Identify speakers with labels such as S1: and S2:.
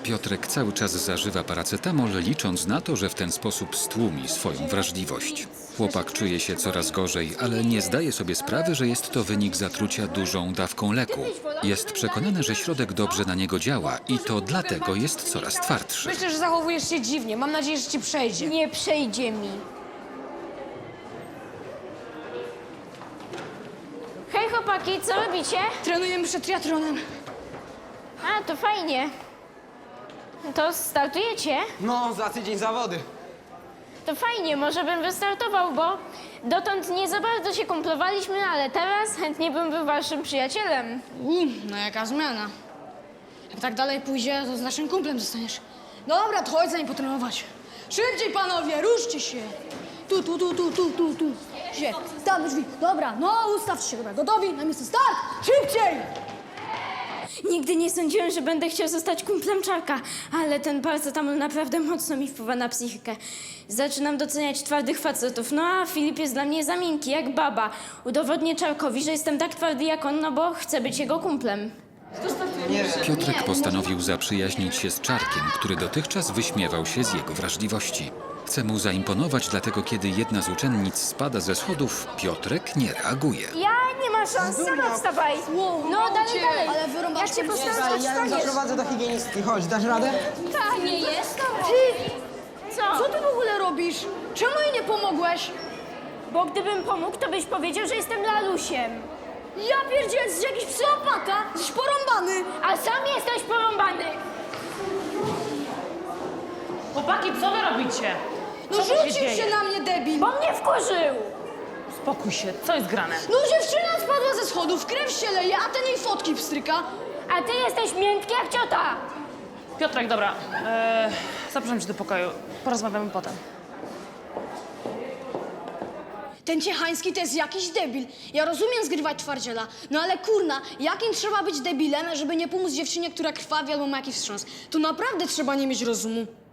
S1: Piotrek cały czas zażywa paracetamol, licząc na to, że w ten sposób stłumi swoją wrażliwość. Chłopak czuje się coraz gorzej, ale nie zdaje sobie sprawy, że jest to wynik zatrucia dużą dawką leku. Jest przekonany, że środek dobrze na niego działa i to dlatego jest coraz twardszy.
S2: Myślę, że zachowujesz się dziwnie. Mam nadzieję, że ci przejdzie.
S3: Nie przejdzie mi. Hej chłopaki, co robicie?
S2: Trenujemy przed triathlonem.
S3: A, to fajnie. To startujecie?
S4: No, za tydzień zawody.
S3: To fajnie, może bym wystartował, bo dotąd nie za bardzo się kumplowaliśmy, ale teraz chętnie bym był waszym przyjacielem.
S2: No jaka zmiana. Jak tak dalej pójdzie, to z naszym kumplem zostaniesz. Dobra, to chodź za nim potrenować. Szybciej, panowie, ruszcie się. Tu. Się, tam do drzwi. Dobra, no ustawcie się, dobra, gotowi? Na miejsce start! Szybciej!
S3: Nigdy nie sądziłem, że będę chciał zostać kumplem Czarka, ale ten paracetamol naprawdę mocno mi wpływa na psychikę. Zaczynam doceniać twardych facetów, no a Filip jest dla mnie za miękki, jak baba. Udowodnię Czarkowi, że jestem tak twardy jak on, no bo chcę być jego kumplem.
S1: Piotrek postanowił zaprzyjaźnić się z Czarkiem, który dotychczas wyśmiewał się z jego wrażliwości. Chce mu zaimponować, dlatego kiedy jedna z uczennic spada ze schodów, Piotrek nie reaguje.
S3: Ja nie ma szans, sama wstawaj. No dalej.
S2: Ale wyrąbasz
S3: Jak cię postawię, to
S4: Ja ją
S3: wstaniesz.
S4: zaprowadzę do higienistki. Chodź, dasz radę?
S3: Tak, nie jest?
S2: Ty,
S3: Co?
S2: co ty w ogóle robisz? Czemu jej nie pomogłeś?
S3: Bo gdybym pomógł, to byś powiedział, że jestem lalusiem.
S2: Ja pierdzielę, jesteś jakiś psychopata, jesteś porąbany.
S3: A sam jesteś porąbany.
S5: Chłopaki, co wy robicie?
S2: No
S5: Co tu się
S2: rzucił
S5: dzieje?
S2: się na mnie, debil.
S3: Bo mnie wkurzył.
S5: Spokój się, co jest grane?
S2: No dziewczyna spadła ze schodów, krew się leje, a ten jej fotki pstryka.
S3: A ty jesteś miętki jak ciota.
S5: Piotrek, dobra, zapraszam cię do pokoju. Porozmawiamy potem.
S2: Ten Ciechański to jest jakiś debil. Ja rozumiem zgrywać twardziela, no ale kurna, jakim trzeba być debilem, żeby nie pomóc dziewczynie, która krwawi albo ma jakiś wstrząs? Tu naprawdę trzeba nie mieć rozumu.